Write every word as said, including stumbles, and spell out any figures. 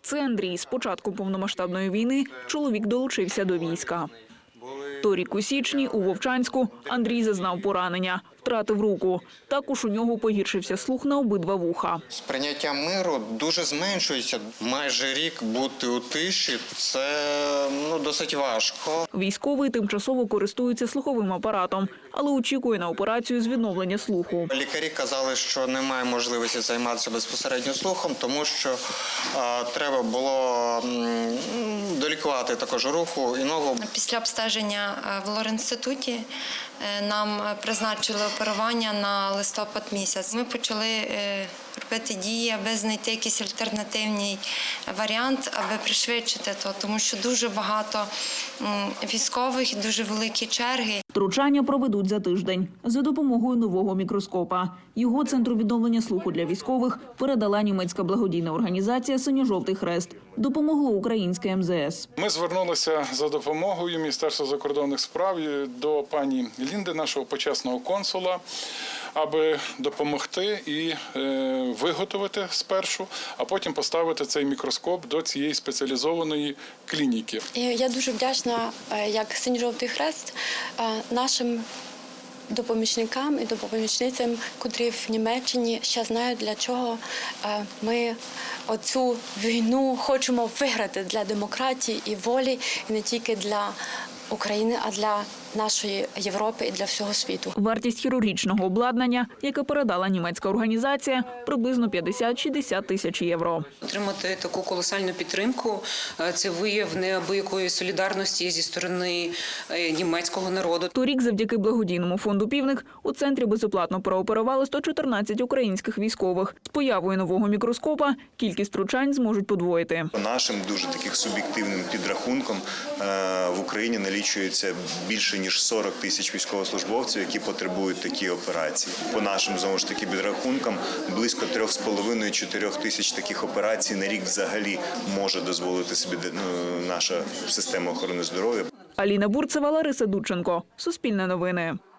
Це Андрій. З початку повномасштабної війни чоловік долучився до війська. Торік у січні у Вовчанську Андрій зазнав поранення, втратив руку. Також у нього погіршився слух на обидва вуха. Сприйняття миру дуже зменшується. Майже рік бути у тиші – це ну, досить важко. Військовий тимчасово користується слуховим апаратом, але очікує на операцію з відновлення слуху. Лікарі казали, що немає можливості займатися безпосередньо слухом, тому що а, треба було м, долікувати також руку і ногу. Після обстеження в лор-інституті нам призначили оперування на листопад місяць. Ми почали робити дії, аби знайти якийсь альтернативний варіант, аби пришвидшити то, тому що дуже багато військових і дуже великі черги. Втручання проведуть за тиждень за допомогою нового мікроскопа. Його Центру відновлення слуху для військових передала німецька благодійна організація «Синьо-жовтий хрест». Допомогло українське ем зе ес. Ми звернулися за допомогою Міністерства закордонних справ до пані Лінди, нашого почесного консула, аби допомогти і е, виготовити спершу, а потім поставити цей мікроскоп до цієї спеціалізованої клініки. Я дуже вдячна, як Синьо-жовтий хрест, нашим допомічникам і допомічницям, котрі в Німеччині ще знають, для чого ми оцю війну хочемо виграти для демократії і волі, і не тільки для України, а для нашої Європи і для всього світу. Вартість хірургічного обладнання, яке передала німецька організація, приблизно п'ятдесят-шістдесят тисяч євро. Отримати таку колосальну підтримку – це вияв неабиякої солідарності зі сторони німецького народу. Торік завдяки благодійному фонду «Півник» у центрі безоплатно прооперували сто чотирнадцять українських військових. З появою нового мікроскопа кількість втручань зможуть подвоїти. Нашим дуже таких суб'єктивним підрахунком в Україні налічується більше ніж сорок тисяч військовослужбовців, які потребують такі операції. По нашим, знову ж таки, підрахункам, близько трьох з половиною - чотирьох тисяч таких операцій на рік взагалі може дозволити собі наша система охорони здоров'я. Аліна Бурцева, Лариса Дудченко. Суспільне новини.